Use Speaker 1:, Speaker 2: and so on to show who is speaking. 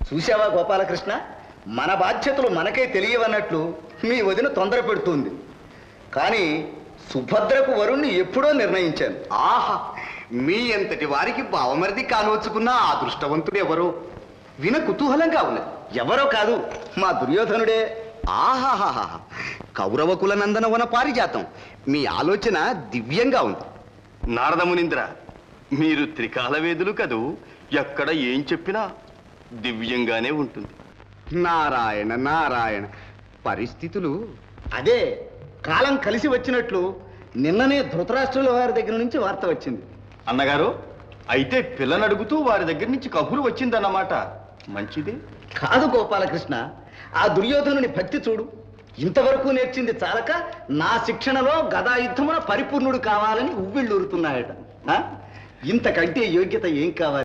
Speaker 1: చూశావా గోపాలకృష్ణ, మన బాధ్యతలు మనకే తెలియవన్నట్లు మీ వదిన తొందర పెడుతుంది. కానీ సుభద్రకు వరుణ్ణి ఎప్పుడో నిర్ణయించాను.
Speaker 2: ఆహా, మీ ఎంతటి వారికి బావమరిది కానవచ్చుకున్న ఆ అదృష్టవంతుడు ఎవరో విన కుతూహలంగా ఉన్నది.
Speaker 1: ఎవరో కాదు, మా దుర్యోధనుడే.
Speaker 2: ఆహాహాహా, కౌరవ కుల నందనవన పారిజాతం. మీ ఆలోచన దివ్యంగా ఉంది.
Speaker 3: నారదమునింద్ర, మీరు త్రికాలవేదులు కదూ, ఎక్కడ ఏం చెప్పినా దివ్యంగానే ఉంటుంది.
Speaker 2: నారాయణ నారాయణ, పరిస్థితులు
Speaker 1: అదే కాలం కలిసి వచ్చినట్లు నిన్ననే ధృతరాష్ట్రుల వారి దగ్గర నుంచి వార్త వచ్చింది.
Speaker 3: అన్నగారు, అయితే పిల్లని అడుగుతూ వారి దగ్గర నుంచి కబురు వచ్చిందన్నమాట. మంచిదే.
Speaker 1: కాదు గోపాలకృష్ణ, ఆ దుర్యోధనుని భక్తి చూడు. ఇంతవరకు నేర్చింది చాలక నా శిక్షణలో గదాయుద్ధమున పరిపూర్ణుడు కావాలని ఉవ్విళ్ళూరుతున్నాయట. ఇంతకంటే యోగ్యత ఏం కావాలి?